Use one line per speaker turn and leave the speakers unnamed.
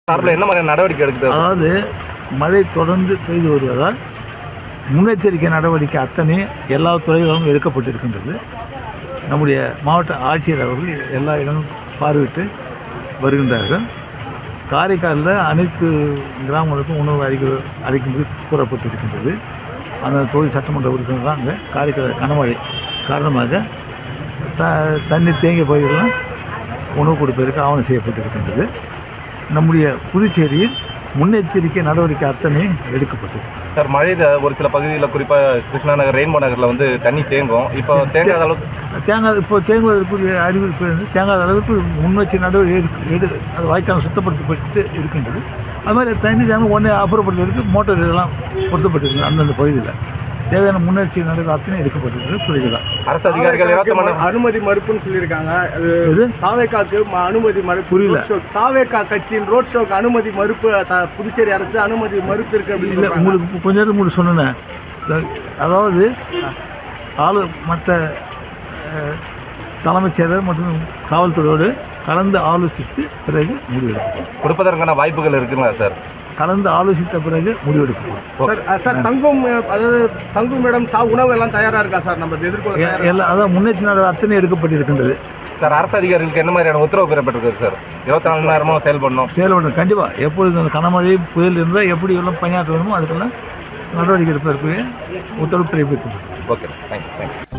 சார்பில் என்ன மாதிரியான நடவடிக்கை எடுக்குது?
அதாவது மழை தொடர்ந்து பெய்து வருவதால் முன்னெச்சரிக்கை நடவடிக்கை அத்தனை எல்லா துறைகளும் எடுக்கப்பட்டிருக்கின்றது. நம்முடைய மாவட்ட ஆட்சியர் அவர்கள் எல்லா இடமும் பார்வையிட்டு வருகின்றார்கள். காரைக்காலில் அனைத்து கிராமங்களுக்கும் உணவு அளிக்கும்படி கூறப்பட்டிருக்கின்றது. அந்த தொகுதி சட்டமன்ற உறுப்பினர் தான் அங்கே காரைக்கால் கனமழை காரணமாக தண்ணீர் தேங்கிய பகுதிகளெலாம் உணவு கொடுப்பதற்கு ஆவணம் செய்யப்பட்டிருக்கின்றது. நம்முடைய புதுச்சேரியில் முன்னெச்சரிக்கை நடவடிக்கை அத்தனை எடுக்கப்பட்டது.
சார், மழையில் ஒரு சில பகுதிகளில் குறிப்பாக கிருஷ்ணா நகர், ரெயின்போ நகரில் வந்து தண்ணி தேங்கும். இப்போ தேங்காத அளவுக்கு
இப்போ தேங்குவதற்குரிய அறிவிப்பு தேங்காத அளவுக்கு முன்னெச்சரிக்கை நடவடிக்கை அது வாய்க்கால் சுத்தப்படுத்தப்பட்டு இருக்கின்றது. அது மாதிரி தண்ணி தேங்க உடனே அப்புறப்படுத்துவதற்கு மோட்டார் இதெல்லாம் பொருத்தப்பட்டிருக்கு. அந்தந்த பகுதியில் தேவையான முன்னெச்சரிக்கை நடவடிக்கை அத்தனை எடுக்கப்பட்டிருக்கு. புரியுதுதான்.
அரசு அதிகாரிகள்
அனுமதி மறுப்புன்னு சொல்லியிருக்காங்க. தாவேக்காக்கு அனுமதி மறுப்பு
புரியல.
தாவேக்கா கட்சியின் ரோட் ஷோக்கு அனுமதி மறுப்பு புதுச்சேரி அரசு அனுமதி மறுப்பு இருக்கு அப்படின்னு
இல்லை. உங்களுக்கு கொஞ்ச நேரம் உங்களுக்கு சொன்னேன். அதாவது மற்ற தலைமைச் செயலர் மற்றும் காவல்துறையோடு கலந்து ஆலோசித்து பிறகு முடிவெடுக்கும்.
கொடுப்பதற்கான வாய்ப்புகள் இருக்குங்களா சார்?
கலந்து ஆலோசித்த பிறகு முடிவெடுக்கப்படும்.
சார், தங்கும் இடம் உணவு எல்லாம் தயாராக இருக்கா சார்? நம்ம எதிர்கொள்ள
எல்லாம் அதான் முன்னெச்சரிக்கை அத்தனை எடுக்கப்பட்டிருக்கின்றது.
சார், அரசு அதிகாரிகளுக்கு என்ன மாதிரியான உத்தரவு பெறப்பட்டிருக்கு சார்? 24 மணி நேரமும் செயல்படணும்.
கண்டிப்பாக எப்பொழுது அந்த கனமழை புயல் இருந்தால் எப்படி எல்லாம் பணியாற்ற வேணுமோ அதுக்கெல்லாம் நடவடிக்கை எடுப்பதற்கு உத்தரவு பிறப்பிக்கப்படும்.
Okay, thank you.